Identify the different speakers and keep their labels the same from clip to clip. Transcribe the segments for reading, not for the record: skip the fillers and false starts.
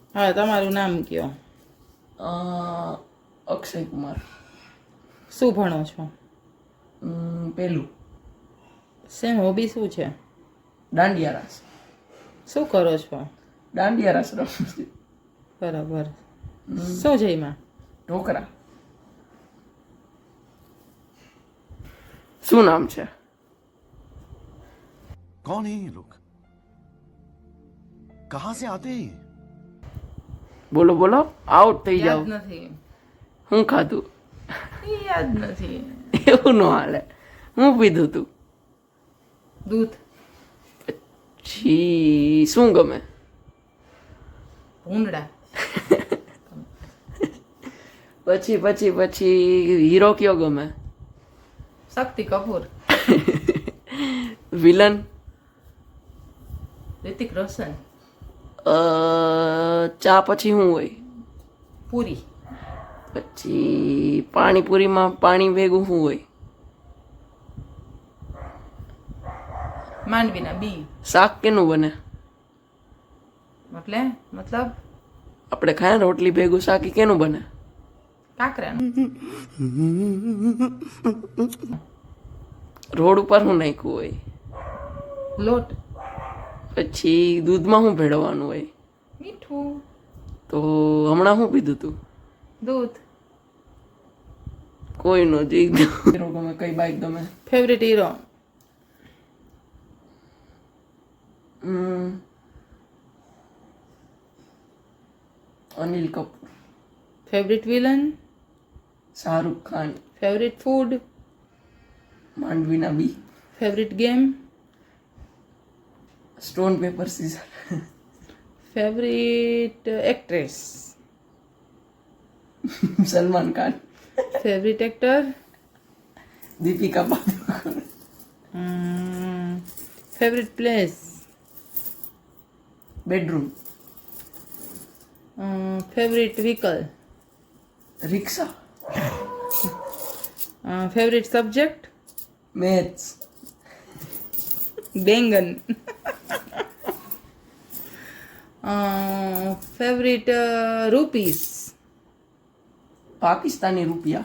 Speaker 1: હા, તમારું નામ કયો.
Speaker 2: અક્ષય કુમાર.
Speaker 1: શું ભણો છો?
Speaker 2: પેલું
Speaker 1: સેમ હોબી શું છે?
Speaker 2: દાંડિયા રાસ.
Speaker 1: શું કરો છો?
Speaker 2: દાંડિયા રાસ રમું છું.
Speaker 1: બરાબર. શું જઈમાં?
Speaker 2: ઢોકરા. શું નામ છે?
Speaker 3: कौन है ये लोग? कहां से आते हैं?
Speaker 2: બોલો બોલો, આઉટ થઈ જાવ.
Speaker 1: યાદ નથી.
Speaker 2: હું ખાધું?
Speaker 1: યાદ નથી.
Speaker 2: એવું ન હાલે. હું પીધું તું?
Speaker 1: દૂધ.
Speaker 2: છી શું ગમે?
Speaker 1: ભૂંડડા.
Speaker 2: પછી પછી પછી હીરો કયો ગમે?
Speaker 1: શક્તિ કપૂર.
Speaker 2: વિલન?
Speaker 1: રિતિક રોશન.
Speaker 2: ચા પછી શું હોય?
Speaker 1: પૂરી.
Speaker 2: પછી પાણીપુરીમાં પાણી ભેગું શું હોય?
Speaker 1: માંડવીના બી.
Speaker 2: શાક કેનું બને?
Speaker 1: મતલબ
Speaker 2: આપણે ખાય ને રોટલી ભેગું શાક ઈ કેનું બને?
Speaker 1: કાકરાનું.
Speaker 2: રોડ ઉપર શું નાખ્યું હોય?
Speaker 1: લોટ.
Speaker 2: પછી દૂધમાં શું ભેળવવાનું હોય?
Speaker 1: મીઠું.
Speaker 2: તો હમણાં શું પીધું તું?
Speaker 1: દૂધ.
Speaker 2: કોઈ નો હીરો ગમે? કઈ બાઈક ગમે?
Speaker 1: Favourite hero?
Speaker 2: Anil Kapoor.
Speaker 1: Favourite villain?
Speaker 2: Shahrukh Khan.
Speaker 1: Favourite food?
Speaker 2: માંડવીના બી.
Speaker 1: Favourite game?
Speaker 2: Stone paper scissor.
Speaker 1: Favourite actress?
Speaker 2: Salman Khan.
Speaker 1: Favourite actor?
Speaker 2: Deepika Padukone.
Speaker 1: Favourite place?
Speaker 2: Bedroom.
Speaker 1: Favourite vehicle?
Speaker 2: Rickshaw.
Speaker 1: Favourite subject?
Speaker 2: Maths.
Speaker 1: બેંગન. Favourite rupees?
Speaker 2: પાકિસ્તાની રૂપિયા.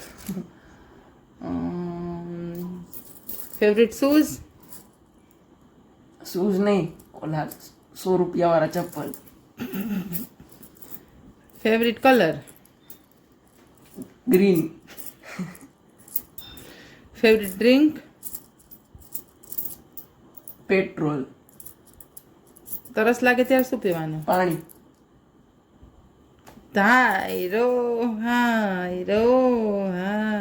Speaker 1: Favourite shoes?
Speaker 2: શૂઝ નહીં, ઓલા 100 રૂપિયા વાળા ચપ્પલ.
Speaker 1: Favourite colour?
Speaker 2: Green.
Speaker 1: Favourite drink?
Speaker 2: Petrol.
Speaker 1: તરસ લાગે ત્યારે શું પીવાનું?
Speaker 2: પાણી.
Speaker 1: હાય રો હાય રો હાય.